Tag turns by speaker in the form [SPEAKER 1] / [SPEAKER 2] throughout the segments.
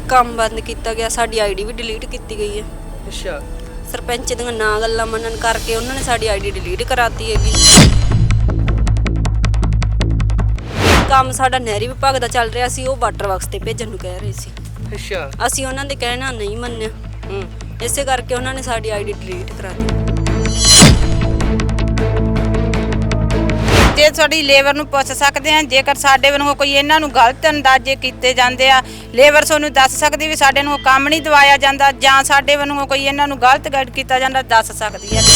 [SPEAKER 1] ਕੰਮ ਬੰਦ ਕੀਤਾ ਗਿਆ, ਸਾਡੀ ਆਈਡੀ ਵੀ ਡਿਲੀਟ ਕੀਤੀ ਗਈ ਹੈ।
[SPEAKER 2] ਅੱਛਾ।
[SPEAKER 1] ਸਰਪੰਚ ਦੀਆਂ ਨਾ ਗੱਲਾਂ ਮੰਨਣ ਕਰਕੇ ਉਹਨਾਂ ਨੇ ਸਾਡੀ ਆਈਡੀ ਡਿਲੀਟ ਕਰਾਤੀ ਹੈਗੀ। ਕੰਮ ਸਾਡਾ ਨਹਿਰੀ ਵਿਭਾਗ ਦਾ ਚੱਲ ਰਿਹਾ ਸੀ, ਉਹ ਵਾਟਰ ਵਰਕਸ ਤੇ ਭੇਜਣ ਨੂੰ ਕਹਿ ਰਹੇ ਸੀ।
[SPEAKER 2] ਅੱਛਾ।
[SPEAKER 1] ਅਸੀਂ ਉਹਨਾਂ ਦੇ ਕਹਿਣਾ ਨਹੀਂ ਮੰਨਿਆ, ਇਸੇ ਕਰਕੇ ਉਹਨਾਂ ਨੇ ਸਾਡੀ ਆਈਡੀ ਡਿਲੀਟ ਕਰਾਤੀ।
[SPEAKER 3] ਜੇ ਸਾਡੀ ਲੇਬਰ ਨੂੰ ਪੁੱਛ ਸਕਦੇ ਆ, ਜੇਕਰ ਸਾਡੇ ਵੱਲੋਂ ਕੋਈ ਇਹਨਾਂ ਨੂੰ ਗਲਤ ਅੰਦਾਜ਼ੇ ਕੀਤੇ ਜਾਂਦੇ ਆ, ਲੇਬਰ ਸਾਨੂੰ ਦੱਸ ਸਕਦੀ ਵੀ ਸਾਡੇ ਨੂੰ ਕੰਮ ਨਹੀਂ ਦਵਾਇਆ ਜਾਂਦਾ, ਜਾਂ ਸਾਡੇ ਵੱਲੋਂ ਕੋਈ ਇਹਨਾਂ ਨੂੰ ਗਲਤ ਗਾਈਡ ਕੀਤਾ ਜਾਂਦਾ, ਦੱਸ ਸਕਦੀ ਆ।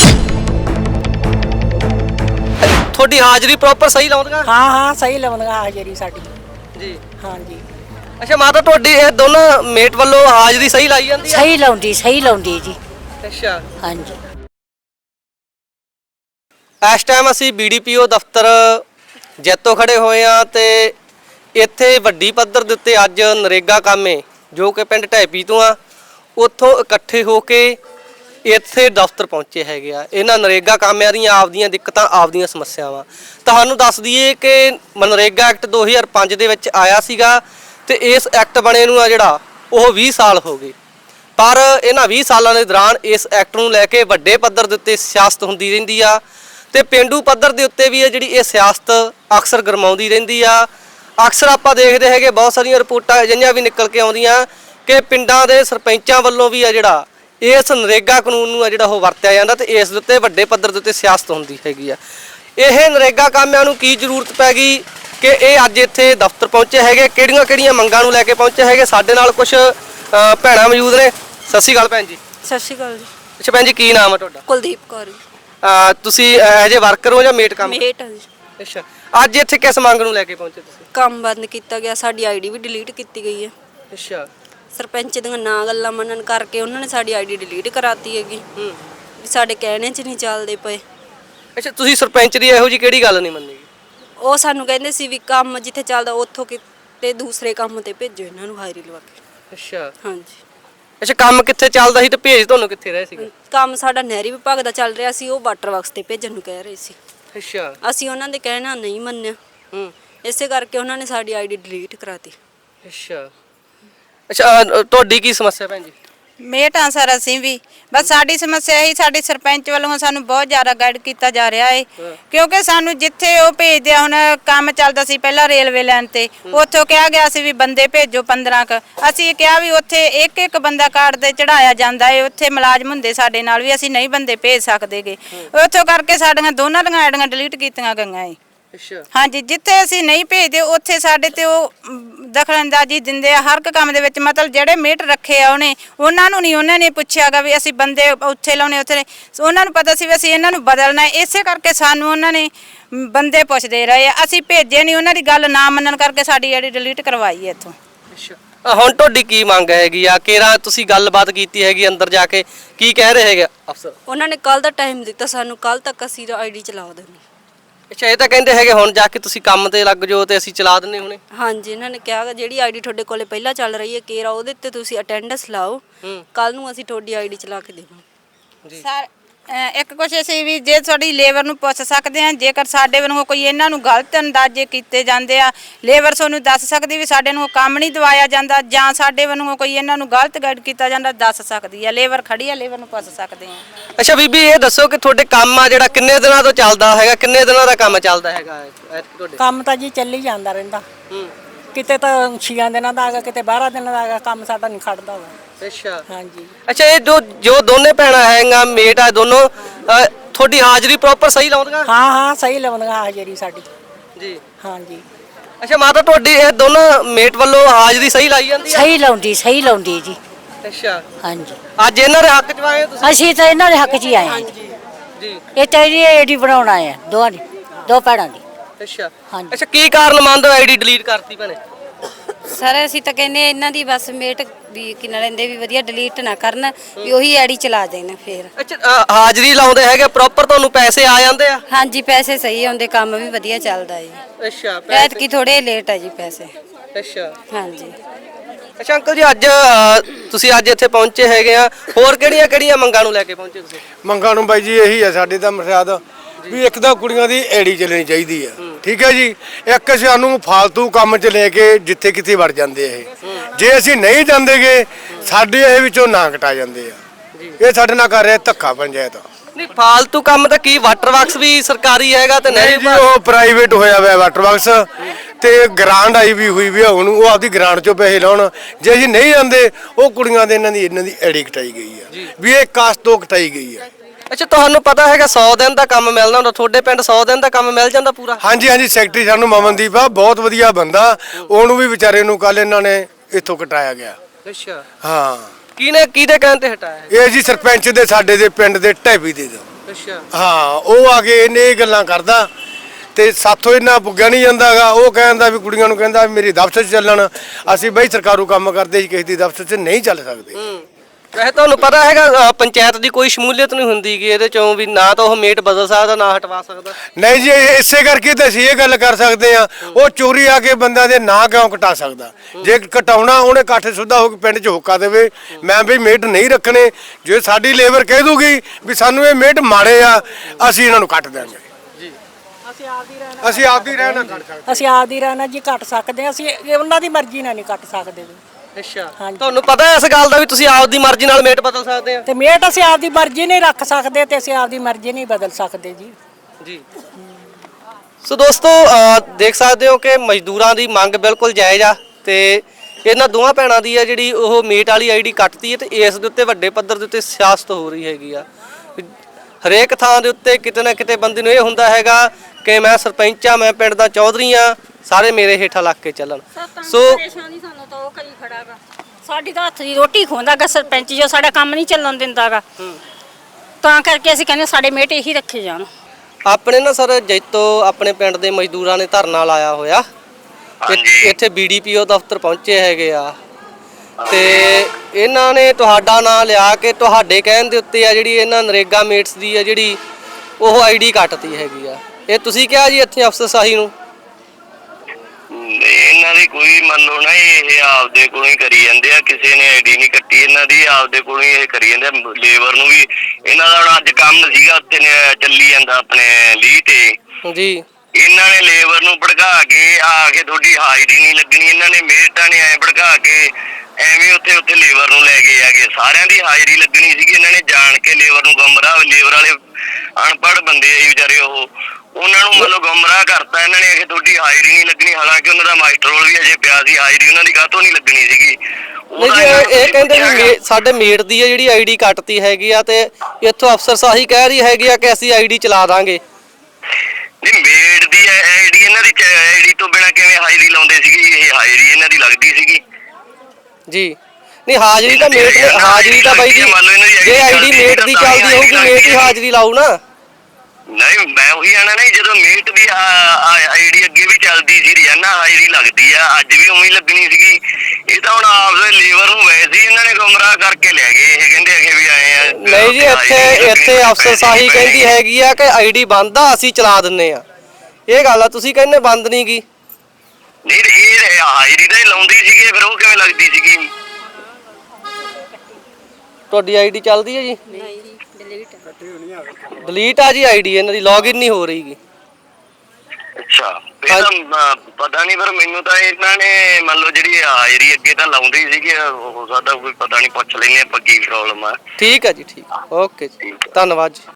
[SPEAKER 2] ਤੁਹਾਡੀ ਹਾਜ਼ਰੀ ਪ੍ਰੋਪਰ ਸਹੀ ਲਾਉਂਦੀਆਂ?
[SPEAKER 4] ਹਾਂ ਸਹੀ ਲਾਉਂਦੀਆਂ ਹਾਜ਼ਰੀ ਸਾਡੀ
[SPEAKER 2] ਜੀ।
[SPEAKER 4] ਹਾਂਜੀ।
[SPEAKER 2] ਅੱਛਾ ਮਾਤਾ, ਤੁਹਾਡੀ ਇਹ ਦੋਨੋਂ ਮੇਟ ਵੱਲੋਂ ਹਾਜ਼ਰੀ ਸਹੀ ਲਾਈ ਜਾਂਦੀ ਹੈ?
[SPEAKER 4] ਸਹੀ ਲਾਉਂਦੀ ਜੀ।
[SPEAKER 2] ਅੱਛਾ।
[SPEAKER 4] ਹਾਂਜੀ।
[SPEAKER 2] ਇਸ ਟਾਈਮ ਅਸੀਂ BDPO ਦਫ਼ਤਰ ਜੈਤੋ ਖੜੇ ਹੋਏ ਆ ਤੇ ਇੱਥੇ ਵੱਡੀ ਪੱਧਰ ਦੇ ਉੱਤੇ ਅੱਜ ਨਰੇਗਾ ਕਾਮੇ ਜੋ ਕਿ ਪਿੰਡ ਢੈਪੀ ਤੋਂ ਆ, ਉੱਥੋਂ ਇਕੱਠੇ ਹੋ ਕੇ ਇੱਥੇ ਦਫ਼ਤਰ ਪਹੁੰਚੇ ਹੈਗੇ ਆ। ਇਹਨਾਂ ਨਰੇਗਾ ਕਾਮਿਆਂ ਦੀਆਂ ਆਪਦੀਆਂ ਦਿੱਕਤਾਂ, ਆਪਦੀਆਂ ਸਮੱਸਿਆਵਾਂ ਤੁਹਾਨੂੰ ਦੱਸ ਦਈਏ ਕਿ ਮਨਰੇਗਾ ਐਕਟ 2005 ਦੇ ਵਿੱਚ ਆਇਆ ਸੀਗਾ ਤੇ ਇਸ ਐਕਟ ਬਣੇ ਨੂੰ ਆ ਜਿਹੜਾ ਉਹ 20 ਸਾਲ ਹੋ ਗਏ, ਪਰ ਇਹਨਾਂ 20 ਸਾਲਾਂ ਦੇ ਦੌਰਾਨ ਇਸ ਐਕਟ ਨੂੰ ਲੈ ਕੇ ਵੱਡੇ ਪੱਧਰ ਦੇ ਉੱਤੇ ਸਿਆਸਤ ਹੁੰਦੀ ਰਹਿੰਦੀ ਆ ਤੇ ਪਿੰਡੂ ਪੱਧਰ ਦੇ ਉੱਤੇ ਵੀ ਜਿਹੜੀ ਇਹ ਸਿਆਸਤ ਅਕਸਰ ਗਰਮਾਉਂਦੀ ਰਹਿੰਦੀ ਆ। ਅਕਸਰ ਆਪਾਂ ਦੇਖਦੇ ਹੈਗੇ ਬਹੁਤ ਸਾਰੀਆਂ ਰਿਪੋਰਟਾਂ ਅਜਿਹੀਆਂ ਵੀ ਨਿਕਲ ਕੇ ਆਉਂਦੀਆਂ ਕਿ ਪਿੰਡਾਂ ਦੇ ਸਰਪੰਚਾਂ ਵੱਲੋਂ ਵੀ ਆ ਜਿਹੜਾ ਇਸ ਨਰੇਗਾ ਕਾਨੂੰਨ ਨੂੰ ਆ ਜਿਹੜਾ ਉਹ ਵਰਤਿਆ ਜਾਂਦਾ ਤੇ ਇਸ ਦੇ ਉੱਤੇ ਵੱਡੇ ਪੱਧਰ ਦੇ ਉੱਤੇ ਸਿਆਸਤ ਹੁੰਦੀ ਹੈਗੀ ਆ। ਇਹ ਨਰੇਗਾ ਕਾਮਿਆਂ ਨੂੰ ਕੀ ਜ਼ਰੂਰਤ ਪੈ ਗਈ ਕਿ ਇਹ ਅੱਜ ਇੱਥੇ ਦਫ਼ਤਰ ਪਹੁੰਚੇ ਹੈਗੇ, ਕਿਹੜੀਆਂ ਮੰਗਾਂ ਨੂੰ ਲੈ ਕੇ ਪਹੁੰਚੇ ਹੈਗੇ। ਸਾਡੇ ਨਾਲ ਕੁਝ ਭੈਣਾਂ ਮੌਜੂਦ ਨੇ। ਸਤਿ ਸ਼੍ਰੀ ਅਕਾਲ ਭੈਣ ਜੀ।
[SPEAKER 1] ਸਤਿ ਸ਼੍ਰੀ ਅਕਾਲ ਜੀ।
[SPEAKER 2] ਅੱਛਾ ਭੈਣ ਜੀ, ਕੀ ਨਾਮ ਹੈ ਤੁਹਾਡਾ?
[SPEAKER 1] ਕੁਲਦੀਪ ਕੌਰ ਜੀ।
[SPEAKER 2] ਤੁਸੀਂ ਐਜ ਏ ਵਰਕਰ ਹੋ ਜਾਂ ਮੇਟ ਕੰਮ?
[SPEAKER 1] ਮੇਟ ਆ ਜੀ।
[SPEAKER 2] ਅੱਛਾ। ਅੱਜ ਇੱਥੇ ਕਿਸ ਮੰਗ ਨੂੰ ਲੈ ਕੇ ਪਹੁੰਚੇ ਤੁਸੀਂ?
[SPEAKER 1] ਕੰਮ ਬੰਦ ਕੀਤਾ ਗਿਆ, ਸਾਡੀ ਆਈਡੀ ਵੀ ਡਿਲੀਟ ਕੀਤੀ ਗਈ ਹੈ।
[SPEAKER 2] ਅੱਛਾ।
[SPEAKER 1] ਸਰਪੰਚ ਦੀਆਂ ਨਾ ਗੱਲਾਂ ਮੰਨਣ ਕਰਕੇ ਉਹਨਾਂ ਨੇ ਸਾਡੀ ਆਈਡੀ ਡਿਲੀਟ ਕਰਾਤੀ ਹੈਗੀ। ਵੀ ਸਾਡੇ ਕਹਿਣੇ 'ਚ ਨਹੀਂ ਚੱਲਦੇ ਪਏ।
[SPEAKER 2] ਅੱਛਾ, ਤੁਸੀਂ ਸਰਪੰਚ ਦੀ ਇਹੋ ਜੀ ਕਿਹੜੀ ਗੱਲ ਨਹੀਂ ਮੰਨੀ?
[SPEAKER 1] ਉਹ ਸਾਨੂੰ ਕਹਿੰਦੇ ਸੀ ਵੀ ਕੰਮ ਜਿੱਥੇ ਚੱਲਦਾ ਉੱਥੋਂ ਕਿਤੇ ਦੂਸਰੇ ਕੰਮ ਤੇ ਭੇਜੋ ਇਹਨਾਂ ਨੂੰ ਹਾਜ਼ਰੀ ਲਵਾ ਕੇ।
[SPEAKER 2] ਅੱਛਾ।
[SPEAKER 1] ਹਾਂਜੀ।
[SPEAKER 2] ਅੱਛਾ, ਕੰਮ ਕਿੱਥੇ ਚੱਲਦਾ ਸੀ ਤੇ ਭੇਜ ਤੁਹਾਨੂੰ ਕਿੱਥੇ ਰਹੇ ਸੀਗੇ?
[SPEAKER 1] ਕੰਮ ਸਾਡਾ ਨਹਿਰੀ ਵਿਭਾਗ ਦਾ ਚੱਲ ਰਿਹਾ ਸੀ, ਉਹ ਵਾਟਰ ਵਰਕਸ ਤੇ ਭੇਜਣ ਨੂੰ ਕਹਿ ਰਹੇ ਸੀ।
[SPEAKER 2] ਅੱਛਾ।
[SPEAKER 1] ਅਸੀਂ ਉਹਨਾਂ ਦੇ ਕਹਿਣਾ ਨਹੀਂ ਮੰਨਿਆ, ਇਸੇ ਕਰਕੇ ਉਹਨਾਂ ਨੇ ਸਾਡੀ ਆਈਡੀ ਡਿਲੀਟ ਕਰਾਤੀ।
[SPEAKER 2] ਅੱਛਾ। ਅੱਛਾ, ਤੁਹਾਡੀ ਕੀ ਸਮੱਸਿਆ ਭੈਣ ਜੀ?
[SPEAKER 3] ਮੇਟ ਆ ਸਰ ਅਸੀਂ ਵੀ, ਬਸ ਸਾਡੀ ਸਮੱਸਿਆ ਇਹੀ, ਸਾਡੇ ਸਰਪੰਚ ਵੱਲੋਂ ਸਾਨੂੰ ਬਹੁਤ ਜ਼ਿਆਦਾ ਗਾਈਡ ਕੀਤਾ ਜਾ ਰਿਹਾ ਹੈ, ਕਿਉਂਕਿ ਸਾਨੂੰ ਜਿੱਥੇ ਉਹ ਭੇਜਦੇ ਆ, ਹੁਣ ਕੰਮ ਚੱਲਦਾ ਸੀ ਪਹਿਲਾਂ ਰੇਲਵੇ ਲਾਈਨ ਤੇ, ਉੱਥੋਂ ਕਿਹਾ ਗਿਆ ਸੀ ਵੀ ਬੰਦੇ ਭੇਜੋ 15 ਕੁ। ਅਸੀਂ ਕਿਹਾ ਵੀ ਉੱਥੇ ਇੱਕ ਬੰਦਾ ਕਾਰਡ ਤੇ ਚੜਾਇਆ ਜਾਂਦਾ ਹੈ, ਉੱਥੇ ਮੁਲਾਜ਼ਮ ਹੁੰਦੇ ਸਾਡੇ ਨਾਲ ਵੀ, ਅਸੀਂ ਨਹੀਂ ਬੰਦੇ ਭੇਜ ਸਕਦੇਗੇ। ਉੱਥੋਂ ਕਰਕੇ ਸਾਡੀਆਂ ਦੋਨਾਂ ਦੀਆਂ ਆਈਡੀਆਂ ਡਿਲੀਟ ਕੀਤੀਆਂ ਗਈਆਂ ਹੈ।
[SPEAKER 2] ਅੱਛਾ।
[SPEAKER 3] ਹਾਂਜੀ, ਜਿੱਥੇ ਅਸੀਂ ਨਹੀਂ ਭੇਜਦੇ ਉੱਥੇ ਸਾਡੇ ਤੇ ਉਹ ਦਖਲਅੰਦਾਜ਼ੀ ਦਿੰਦੇ ਆ ਹਰ ਇੱਕ ਕੰਮ ਦੇ ਵਿੱਚ। ਮਤਲਬ ਜਿਹੜੇ ਮੇਟ ਰੱਖੇ ਆ ਉਹਨਾਂ ਨੂੰ ਨਹੀਂ ਉਹਨਾਂ ਨੇ ਪੁੱਛਿਆਗਾ ਵੀ ਅਸੀਂ ਬੰਦੇ ਉੱਥੇ ਲਾਉਣੇ ਉੱਥੇ, ਉਹਨਾਂ ਨੂੰ ਪਤਾ ਸੀ ਵੀ ਅਸੀਂ ਇਹਨਾਂ ਨੂੰ ਬਦਲਣਾ, ਇਸੇ ਕਰਕੇ ਸਾਨੂੰ ਉਹਨਾਂ ਨੇ ਬੰਦੇ ਪੁੱਛਦੇ ਰਹੇ ਆ। ਅਸੀਂ ਭੇਜੇ ਨਹੀਂ, ਉਹਨਾਂ ਦੀ ਗੱਲ ਨਾ ਮੰਨਣ ਕਰਕੇ ਸਾਡੀ ਜਿਹੜੀ ਡਿਲੀਟ ਕਰਵਾਈ ਹੈ ਇੱਥੋਂ।
[SPEAKER 2] ਅੱਛਾ। ਹੁਣ ਤੁਹਾਡੀ ਕੀ ਮੰਗ ਹੈਗੀ ਆ? ਕਿਹੜਾ ਤੁਸੀਂ ਗੱਲਬਾਤ ਕੀਤੀ ਹੈਗੀ ਅੰਦਰ ਜਾ ਕੇ, ਕੀ ਕਹਿ ਰਹੇ ਹੈਗੇ ਅਫਸਰ?
[SPEAKER 1] ਉਹਨਾਂ ਨੇ ਕੱਲ ਦਾ ਟਾਈਮ ਦਿੱਤਾ ਸਾਨੂੰ, ਕੱਲ ਤੱਕ ਅਸੀਂ ਆਈਡੀ ਚਲਾ ਦੇਣੀ।
[SPEAKER 2] ਅੱਛਾ, ਇਹ ਤਾਂ ਕਹਿੰਦੇ ਹੈਗੇ ਹੁਣ ਜਾ ਕੇ ਤੁਸੀਂ ਕੰਮ ਤੇ ਲੱਗ ਜਾਓ ਤੇ ਅਸੀਂ ਚਲਾ ਦਿੰਨੇ ਹੁਣੇ।
[SPEAKER 1] ਹਾਂਜੀ, ਇਹਨਾਂ ਨੇ ਕਿਹਾ ਜਿਹੜੀ ਆਈਡੀ ਤੁਹਾਡੇ ਕੋਲੇ ਪਹਿਲਾਂ ਚੱਲ ਰਹੀ ਹੈ ਕੇਰਾ, ਉਹਦੇ ਤੇ ਤੁਸੀਂ ਅਟੈਂਡੈਂਸ ਲਾਓ, ਕੱਲ ਨੂੰ ਅਸੀਂ ਤੁਹਾਡੀ ਆਈਡੀ ਚਲਾ ਕੇ ਦੇਵਾਂਗੇ।
[SPEAKER 3] ਸਰ ਇੱਕ ਕੁਛ ਅਸੀਂ ਵੀ ਜੇ ਤੁਹਾਡੀ ਲੇਬਰ ਨੂੰ ਪੁੱਛ ਸਕਦੇ ਆ, ਜੇਕਰ ਸਾਡੇ ਵੱਲੋਂ ਕੋਈ ਇਹਨਾਂ ਨੂੰ ਗਲਤ ਅੰਦਾਜ਼ੇ ਕੀਤੇ ਜਾਂਦੇ ਆ, ਲੇਬਰ ਸਾਨੂੰ ਦੱਸ ਸਕਦੀ ਵੀ ਸਾਡੇ ਨੂੰ ਕੰਮ ਨਹੀਂ ਦਵਾਇਆ ਜਾਂਦਾ, ਜਾਂ ਸਾਡੇ ਵੱਲੋਂ ਕੋਈ ਇਹਨਾਂ ਨੂੰ ਗਲਤ ਗਾਈਡ ਕੀਤਾ ਜਾਂਦਾ, ਦੱਸ ਸਕਦੀ ਆ। ਲੇਬਰ ਖੜੀ ਆ, ਲੇਬਰ ਨੂੰ ਪੁੱਛ ਸਕਦੇ ਆ।
[SPEAKER 2] ਅੱਛਾ ਬੀਬੀ, ਇਹ ਦੱਸੋ ਕਿ ਤੁਹਾਡੇ ਕੰਮ ਆ ਜਿਹੜਾ ਕਿੰਨੇ ਦਿਨਾਂ ਤੋਂ ਚੱਲਦਾ ਹੈਗਾ, ਕਿੰਨੇ ਦਿਨਾਂ ਦਾ ਕੰਮ ਚੱਲਦਾ ਹੈਗਾ ਤੁਹਾਡੇ?
[SPEAKER 4] ਕੰਮ ਤਾਂ ਜੀ ਚੱਲੀ ਜਾਂਦਾ ਰਹਿੰਦਾ, ਕਿਤੇ ਤਾਂ 6 ਦਿਨਾਂ ਦਾ ਆਗਾ, ਕਿਤੇ 12 ਦਿਨਾਂ ਦਾ ਆਗਾ, ਕੰਮ ਸਾਡਾ ਨਹੀਂ ਖੜਦਾ ਵਾ।
[SPEAKER 2] ਅੱਛਾ।
[SPEAKER 4] ਹਾਂਜੀ।
[SPEAKER 2] ਅੱਛਾ, ਇਹ ਜੋ ਦੋਨੇ ਭੈਣਾਂ ਹੈਗਾ ਮੇਟ ਆ ਦੋਨੋਂ, ਤੁਹਾਡੀ ਹਾਜ਼ਰੀ ਪ੍ਰੋਪਰ ਸਹੀ ਲਾਉਂਦੀਆਂ?
[SPEAKER 4] ਹਾਂ ਸਹੀ ਲਾਉਂਦੀਆਂ ਹਾਜ਼ਰੀ ਸਾਡੀ
[SPEAKER 2] ਜੀ।
[SPEAKER 4] ਹਾਂਜੀ।
[SPEAKER 2] ਅੱਛਾ ਮਾਤਾ, ਤੁਹਾਡੀ ਇਹ ਦੋਨੋਂ ਮੇਟ ਵੱਲੋਂ ਹਾਜ਼ਰੀ ਸਹੀ ਲਾਈ ਜਾਂਦੀ ਹੈ?
[SPEAKER 4] ਸਹੀ ਲਾਉਂਦੀ ਜੀ।
[SPEAKER 2] ਅੱਛਾ।
[SPEAKER 4] ਹਾਂਜੀ।
[SPEAKER 2] ਅੱਜ ਇਹਨਾਂ ਦੇ ਹੱਕ 'ਚ ਆਏ ਤੁਸੀਂ?
[SPEAKER 4] ਅਸੀਂ ਤਾਂ ਇਹਨਾਂ ਦੇ ਹੱਕ 'ਚ ਹੀ ਆਏ ਹਾਂ
[SPEAKER 2] ਜੀ।
[SPEAKER 4] ਇਹ ਤਾਂ ਇਹਦੀ ਆਈਡੀ ਬਣਾਉਣ ਆਏ ਆ, ਦੋ ਭੈਣਾਂ ਦੀ।
[SPEAKER 2] ਅੱਛਾ।
[SPEAKER 4] ਹਾਂਜੀ।
[SPEAKER 2] ਅੱਛਾ, ਕੀ ਕਾਰਨ ਮੰਨਦੇ ਹੋ ਆਈਡੀ ਡਿਲੀਟ ਕਰਤੀ ਭੈਣੇ?
[SPEAKER 5] ਸਰ ਅਸੀਂ ਤਾਂ ਕਹਿੰਦੇ ਇਹਨਾਂ ਦੀ ਬਸ ਮੇਟ ਵੀ ਕਿੰਨਾ ਲੈਂਦੇ ਵੀ ਵਧੀਆ ਡਿਲੀਟ ਨਾ ਕਰਨ, ਵੀ ਉਹੀ ਆਈਡੀ ਚਲਾ ਦੇਣ ਫੇਰ।
[SPEAKER 2] ਅੱਛਾ, ਹਾਜ਼ਰੀ ਲਾਉਂਦੇ ਹੈਗੇ ਪ੍ਰੋਪਰ, ਤੁਹਾਨੂੰ ਪੈਸੇ ਆ ਜਾਂਦੇ ਆ?
[SPEAKER 5] ਹਾਂਜੀ, ਪੈਸੇ ਸਹੀ ਆਉਂਦੇ, ਕੰਮ ਵੀ ਵਧੀਆ ਚੱਲਦਾ ਜੀ।
[SPEAKER 2] ਅੱਛਾ।
[SPEAKER 5] ਐਤਕੀ ਥੋੜੇ ਲੇਟ ਆ ਜੀ ਪੈਸੇ।
[SPEAKER 2] ਅੱਛਾ।
[SPEAKER 5] ਹਾਂਜੀ।
[SPEAKER 2] ਅੱਛਾ ਅੰਕਲ ਜੀ, ਅੱਜ ਤੁਸੀਂ ਇੱਥੇ ਪਹੁੰਚੇ ਹੈਗੇ ਆ, ਹੋਰ ਕਿਹੜੀਆਂ ਮੰਗਾਂ ਨੂੰ ਲੈ ਕੇ ਪਹੁੰਚੇ ਤੁਸੀਂ?
[SPEAKER 6] ਮੰਗਾਂ ਨੂੰ ਬਾਈ ਜੀ ਇਹੀ ਆ ਸਾਡੇ ਤਾਂ ਮਰਿਆਦਾ ਵੀ ਇੱਕ ਤਾਂ ਕੁੜੀਆਂ ਦੀ ਐਡੀ ਚੱਲਣੀ ਚਾਹੀਦੀ ਆ, ਠੀਕ ਹੈ ਜੀ। ਇੱਕ ਸਾਨੂੰ ਫालतू ਕੰਮ 'ਚ ਲੈ ਕੇ ਜਿੱਥੇ ਕਿਤੇ ਵੜ ਜਾਂਦੇ ਆ ਇਹ। ਜੇ ਅਸੀਂ ਨਹੀਂ ਜਾਂਦੇਗੇ ਸਾਡੇ ਇਹ ਵਿੱਚੋਂ ਨਾਂ ਕਟਾ ਜਾਂਦੇ ਆ। ਇਹ ਸਾਡੇ ਨਾਲ ਕਰ ਰਿਹਾ ਧੱਕਾ ਪੰਚਾਇਤ।
[SPEAKER 2] ਨਹੀਂ ਫਾਲਤੂ ਕੰਮ ਤਾਂ ਕੀ, ਵਾਟਰ ਵਰਕਸ ਵੀ ਸਰਕਾਰੀ ਹੈਗਾ ਤੇ
[SPEAKER 6] ਨਹੀਂ
[SPEAKER 2] ਨਹੀਂ
[SPEAKER 6] ਜੀ, ਉਹ ਪ੍ਰਾਈਵੇਟ ਹੋਇਆ ਹੋਇਆ ਵਾਟਰ ਬਾਕਸ ਤੇ ਗ੍ਰਾਂਟ ਆਈ ਵੀ ਹੋਈ ਵੀ ਆ ਹੁਣ, ਉਹ ਆਪਦੀ ਗ੍ਰਾਂਟ 'ਚੋਂ ਪੈਸੇ ਲਾਉਣ। ਜੇ ਅਸੀਂ ਨਹੀਂ ਜਾਂਦੇ ਉਹ ਕੁੜੀਆਂ ਦੇ ਇਹਨਾਂ ਦੀ ਐਡੀ ਕਟਾਈ ਗਈ ਆ ਵੀ ਇਹ ਕਾਸਤ ਤੋਂ ਕਟਾਈ ਗਈ ਆ।
[SPEAKER 2] ਅੱਛਾ, ਤੁਹਾਨੂੰ ਪਤਾ ਹੈਗਾ 100 ਦਿਨ ਦਾ ਕੰਮ ਮਿਲਣਾ ਹੁੰਦਾ, ਤੁਹਾਡੇ ਪਿੰਡ 100 ਦਿਨ ਦਾ ਕੰਮ ਮਿਲ ਜਾਂਦਾ ਪੂਰਾ?
[SPEAKER 6] ਹਾਂਜੀ ਹਾਂਜੀ, ਸੈਕਟਰੀ ਸਾਨੂੰ ਮਮਨਦੀਪ ਆ, ਬਹੁਤ ਵਧੀਆ ਬੰਦਾ। ਉਹਨੂੰ ਵੀ ਵਿਚਾਰੇ ਨੂੰ ਕੱਲ ਇਹਨਾਂ ਨੇ ਇੱਥੋਂ ਕਟਾਇਆ ਗਿਆ।
[SPEAKER 2] ਅੱਛਾ,
[SPEAKER 6] ਹਾਂ,
[SPEAKER 2] ਕਿਹਦੇ ਕਹਿਣ ਤੇ ਹਟਾਇਆ?
[SPEAKER 6] ਇਹ ਜੀ ਸਰਪੰਚ ਦੇ ਸਾਡੇ ਦੇ ਪਿੰਡ ਦੇ ਢੈਬੀ ਦੇ ਤੋਂ।
[SPEAKER 2] ਅੱਛਾ,
[SPEAKER 6] ਹਾਂ, ਉਹ ਆ ਕੇ ਇਹਨੇ ਇਹ ਗੱਲਾਂ ਕਰਦਾ ਤੇ ਸਾਥੋਂ ਇਹਨਾਂ ਪੁੱਗਿਆ ਨਹੀਂ ਜਾਂਦਾਗਾ। ਉਹ ਕਹਿੰਦਾ ਵੀ ਕੁੜੀਆਂ ਨੂੰ ਕਹਿੰਦਾ ਵੀ ਮੇਰੀ ਦਫ਼ਤਰ 'ਚ ਚੱਲਣ। ਅਸੀਂ ਬਈ ਸਰਕਾਰੂ ਕੰਮ ਕਰਦੇ ਸੀ, ਕਿਸੇ ਦੀ ਦਫ਼ਤਰ 'ਚ ਨਹੀਂ ਚੱਲ ਸਕਦੇ।
[SPEAKER 2] ਵੈਸੇ ਤੁਹਾਨੂੰ ਪਤਾ ਹੈਗਾ ਪੰਚਾਇਤ ਦੀ ਕੋਈ ਸ਼ਮੂਲੀਅਤ ਨਹੀਂ ਹੁੰਦੀ ਗੀ ਇਹਦੇ ਚੋਂ, ਵੀ ਨਾ ਤਾਂ ਉਹ ਮੇਟ ਬਦਲ ਸਕਦਾ ਨਾ ਹਟਵਾ ਸਕਦਾ।
[SPEAKER 6] ਨਹੀਂ ਜੀ, ਇਸੇ ਕਰਕੇ ਤਾਂ ਅਸੀਂ ਇਹ ਗੱਲ ਕਰ ਸਕਦੇ ਆ। ਉਹ ਚੋਰੀ ਆ ਕੇ ਬੰਦਿਆਂ ਦੇ ਨਾਂ ਕਿਉਂ ਕਟਾ ਸਕਦਾ? ਜੇ ਕਟਾਉਣਾ ਉਹਨੇ ਇਕੱਠ ਸੁਧਾ ਹੋ ਕੇ ਪਿੰਡ 'ਚ ਹੋਕਾ ਦੇਵੇ ਮੈਂ ਵੀ ਮੇਟ ਨਹੀਂ ਰੱਖਣੇ। ਜੇ ਸਾਡੀ ਲੇਬਰ ਕਹਿ ਦੂਗੀ ਵੀ ਸਾਨੂੰ ਇਹ ਮੇਟ ਮਾੜੇ ਆ, ਅਸੀਂ ਇਹਨਾਂ ਨੂੰ ਕੱਟ ਦਿਆਂਗੇ। ਅਸੀਂ ਆਪਦੀ ਰਹਿਣਾ ਕੱਟ ਸਕਦੇ।
[SPEAKER 4] ਅਸੀਂ ਆਪਦੀ ਰਹਿਣਾ ਜੀ ਕੱਟ ਸਕਦੇ ਹਾਂ, ਅਸੀਂ ਇਹ ਉਹਨਾਂ ਦੀ ਮਰਜ਼ੀ ਨਾਲ ਨਹੀਂ ਕੱਟ ਸਕਦੇ ਜੀ।
[SPEAKER 2] ਅੱਛਾ, ਤੁਹਾਨੂੰ ਪਤਾ ਇਸ ਗੱਲ ਦਾ ਵੀ ਤੁਸੀਂ ਆਪਦੀ ਮਰਜ਼ੀ ਨਾਲ ਮੇਟ ਬਦਲ ਸਕਦੇ ਆ?
[SPEAKER 4] ਤੇ ਮੇਟ ਅਸੀਂ ਆਪਦੀ ਮਰਜ਼ੀ ਨਹੀਂ ਰੱਖ ਸਕਦੇ ਤੇ ਅਸੀਂ ਆਪਦੀ ਮਰਜ਼ੀ ਨਹੀਂ ਬਦਲ ਸਕਦੇ ਜੀ।
[SPEAKER 2] ਜੀ। ਸੋ ਦੋਸਤੋ ਦੇਖ ਸਕਦੇ ਹੋ ਕਿ ਮਜ਼ਦੂਰਾਂ ਦੀ ਮੰਗ ਬਿਲਕੁਲ ਜਾਇਜ਼ ਆ ਤੇ ਇਹਨਾਂ ਦੋਵਾਂ ਭੈਣਾਂ ਦੀ ਆ ਜਿਹੜੀ ਉਹ ਮੇਟ ਵਾਲੀ ਆਈਡੀ ਕੱਟਤੀ ਹੈ ਤੇ ਇਸ ਦੇ ਉੱਤੇ ਵੱਡੇ ਪੱਧਰ ਦੇ ਉੱਤੇ ਸਿਆਸਤ ਹੋ ਰਹੀ ਹੈਗੀ ਆ। ਹਰੇਕ ਥਾਂ ਦੇ ਉੱਤੇ ਕਿਤੇ ਨਾ ਕਿਤੇ ਬੰਦੇ ਨੂੰ ਇਹ ਹੁੰਦਾ ਹੈਗਾ ਕਿ ਮੈਂ ਸਰਪੰਚ ਆ, ਮੈਂ ਪਿੰਡ ਦਾ ਚੌਧਰੀ ਆ, ਸਾਰੇ ਮੇਰੇ ਹੇਠਾਂ ਲੱਗ ਕੇ ਚੱਲਣ। ਸੋ
[SPEAKER 7] ਪਰੇਸ਼ਾਨੀ ਸਾਨੂੰ ਤਾਂ ਉਹ ਕਈ ਖੜਾਗਾ, ਸਾਡੀ ਤਾਂ ਹੱਥ ਦੀ ਰੋਟੀ ਖੋਂਦਾਗਾ ਸਰਪੰਚ, ਜੋ ਸਾਡਾ ਕੰਮ ਨਹੀਂ ਚੱਲਣ ਦਿੰਦਾਗਾ। ਤਾਂ ਕਰਕੇ ਅਸੀਂ ਕਹਿੰਦੇ ਸਾਡੇ ਮੇਟ ਇਹੀ ਰੱਖੇ ਜਾਣ।
[SPEAKER 2] ਆਪਣੇ ਨਾ ਸਰ ਜੈਤੋ ਆਪਣੇ ਪਿੰਡ ਦੇ ਮਜ਼ਦੂਰਾਂ ਨੇ ਧਰਨਾ ਲਾਇਆ ਹੋਇਆ, ਇੱਥੇ BDPO ਦਫ਼ਤਰ ਪਹੁੰਚੇ ਹੈਗੇ ਆ ਤੇ ਇਹਨਾਂ ਨੇ ਤੁਹਾਡਾ ਨਾਂ ਲਿਆ ਕੇ ਤੁਹਾਡੇ ਕਹਿਣ ਦੇ ਉੱਤੇ ਆ ਜਿਹੜੀ ਇਹਨਾਂ ਨਰੇਗਾ ਮੇਟਸ ਦੀ ਆ ਜਿਹੜੀ ਉਹ ਆਈਡੀ ਕੱਟਤੀ ਹੈਗੀ ਆ। ਇਹ ਤੁਸੀਂ ਕਿਹਾ ਜੀ ਇੱਥੇ ਅਫਸਰਸ਼ਾਹੀ ਨੂੰ?
[SPEAKER 8] ਇਹਨਾਂ ਦੀ ਕੋਈ ਮੰਨ ਲਓ ਨਾ, ਇਹ ਆਪਦੇ ਕੋਲੋਂ ਹੀ ਕਰੀ ਜਾਂਦੇ ਆ, ਕਿਸੇ ਨੇ ਆਈਡੀ ਨਹੀਂ ਕੱਟੀ ਇਹਨਾਂ ਦੀ, ਆਪਦੇ ਕੋਲੋਂ ਹੀ ਇਹ ਕਰੀ ਜਾਂਦੇ ਆ। ਲੇਬਰ ਨੂੰ ਵੀ ਇਹਨਾਂ ਦਾ ਹੁਣ ਅੱਜ ਕੰਮ ਸੀਗਾ ਉੱਥੇ ਚੱਲੀ ਜਾਂਦਾ ਆਪਣੇ ਲੀਹ ਤੇ
[SPEAKER 2] ਜੀ।
[SPEAKER 8] ਇਹਨਾਂ ਨੇ ਲੇਬਰ ਨੂੰ ਭੜਕਾ ਕੇ ਆ ਕੇ ਤੁਹਾਡੀ ਹਾਜ਼ਰੀ ਨਹੀਂ ਲੱਗਣੀ, ਇਹਨਾਂ ਨੇ ਮੇਟਾਂ ਨੇ ਐ ਭੜਕਾ ਕੇ ਐਵੇਂ ਉੱਥੇ ਲੇਬਰ ਨੂੰ ਲੈ ਗਏ ਆਗੇ। ਸਾਰਿਆਂ ਦੀ ਹਾਜ਼ਰੀ ਲੱਗਣੀ ਸੀਗੀ, ਇਹਨਾਂ ਨੇ ਜਾਣ ਕੇ ਲੇਬਰ ਨੂੰ ਗੁੰਮਰਾਹ, ਲੇਬਰ ਵਾਲੇ ਅਨਪੜ੍ਹ ਬੰਦੇ ਆ ਵਿਚਾਰੇ, ਉਹਨਾਂ ਨੂੰ ਮਤਲਬ ਗੁੰਮਰਾਹ ਕਰਤਾ ਇਹਨਾਂ ਨੇ ਕਿ ਤੁਹਾਡੀ ਹਾਜ਼ਰੀ ਨਹੀਂ ਲੱਗਣੀ। ਹਾਲਾਂਕਿ ਉਹਨਾਂ ਦਾ ਮਾਸਟਰ ਰੋਲ ਵੀ ਅਜੇ ਪਿਆ ਸੀ, ਹਾਜ਼ਰੀ ਉਹਨਾਂ ਦੀ ਕਾਹਤੋਂ ਨਹੀਂ ਲੱਗਣੀ ਸੀਗੀ।
[SPEAKER 2] ਨਹੀਂ ਜੀ, ਇਹ ਕਹਿੰਦੇ ਵੀ ਸਾਡੇ ਮੇਟ ਦੀ ਆ ਜਿਹੜੀ ਆਈਡੀ ਕੱਟਤੀ ਹੈਗੀ ਆ ਤੇ ਇੱਥੋਂ ਅਫਸਰਸ਼ਾਹੀ ਕਹਿ ਰਹੀ ਹੈਗੀ ਆ ਕਿ ਅਸੀਂ ਆਈਡੀ ਚਲਾ ਦਾਂਗੇ।
[SPEAKER 8] ਨਹੀਂ, ਮੇਟ ਦੀ ਆਈਡੀ ਇਹਨਾਂ ਦੀ ਆਈਡੀ ਤੋਂ ਬਿਨਾਂ ਕਿਵੇਂ ਹਾਜ਼ਰੀ ਲਾਉਂਦੇ ਸੀਗੇ? ਇਹ ਹਾਜ਼ਰੀ ਇਹਨਾਂ ਦੀ ਲੱਗਦੀ ਸੀਗੀ
[SPEAKER 2] ਜੀ। ਨਹੀਂ ਹਾਜ਼ਰੀ ਤਾਂ ਮੇਟ ਨੇ, ਹਾਜ਼ਰੀ ਤਾਂ ਬਾਈ ਜੀ ਜੇ ਆਈਡੀ ਮੇਟ ਦੀ ਚੱਲਦੀ ਹੋਊਗੀ ਮੇਟ ਹੀ ਹਾਜ਼ਰੀ ਲਾਊ ਨਾ।
[SPEAKER 8] ਨਹੀਂ, ਮੈਂ ਉਹੀ ਆਣਾ ਨਹੀਂ, ਜਦੋਂ ਮੇਟ ਦੀ ਆਈਡੀ ਅੱਗੇ ਵੀ ਚੱਲਦੀ ਸੀ ਰੋਜ਼ਾਨਾ ਹਾਜ਼ਰੀ ਲੱਗਦੀ ਆ, ਅੱਜ ਵੀ ਉਵੇਂ ਹੀ ਲੱਗਣੀ ਸੀਗੀ। ਇਹ ਤਾਂ ਹੁਣ ਆਪਦੇ ਲੇਬਰ ਨੂੰ ਵੈਸੇ ਹੀ ਇਹਨਾਂ ਨੇ ਗੁੰਮਰਾਹ ਕਰਕੇ ਲੈ ਗਏ। ਇਹ ਕਹਿੰਦੇ ਅਖੇ ਵੀ ਆਏ ਆ।
[SPEAKER 2] ਨਹੀਂ ਜੀ, ਇੱਥੇ ਅਫਸਰਸ਼ਾਹੀ ਕਹਿੰਦੀ ਹੈਗੀ ਆ ਕਿ ਆਈਡੀ ਬੰਦ ਆ, ਅਸੀਂ ਚਲਾ ਦਿੰਨੇ ਆ। ਇਹ ਗੱਲ ਆ, ਤੁਸੀਂ ਕਹਿੰਦੇ ਬੰਦ ਨਹੀਂ ਗੀ।
[SPEAKER 8] ਨਹੀਂ, ਇਹ ਹਾਜ਼ਰੀ ਤਾਂ ਲਾਉਂਦੀ ਸੀਗੇ, ਫਿਰ ਉਹ ਕਿਵੇਂ ਲੱਗਦੀ ਸੀਗੀ?
[SPEAKER 2] ਤੁਹਾਡੀ ਆਈਡੀ ਚੱਲਦੀ ਹੈ ਜੀ?
[SPEAKER 1] ਨਹੀਂ ਜੀ,
[SPEAKER 2] ਡਿਲੀਟ ਆ ਜੀ ਆਈਡੀ, ਇਹਨਾਂ ਦੀ ਲੌਗਇਨ ਨਹੀਂ ਹੋ ਰਹੀਗੀ।
[SPEAKER 8] ਅੱਛਾ, ਇਹ ਤਾਂ ਪਤਾ ਨਹੀਂ, ਪਰ ਮੈਨੂੰ ਤਾਂ ਇਹਨਾਂ ਨੇ ਮੰਨ ਲਓ ਜਿਹੜੀ ਹਾਜ਼ਰੀ ਅੱਗੇ ਤਾਂ ਲਾਉਂਦੇ ਹੀ ਸੀਗੇ, ਹੋ ਸਕਦਾ ਕੋਈ ਪਤਾ ਨਹੀਂ, ਪੁੱਛ ਲੈਂਦੇ ਆਪਾਂ ਕੀ ਪ੍ਰੋਬਲਮ ਆ।
[SPEAKER 2] ਠੀਕ ਹੈ ਜੀ, ਠੀਕ। ਓਕੇ ਜੀ, ਧੰਨਵਾਦ ਜੀ।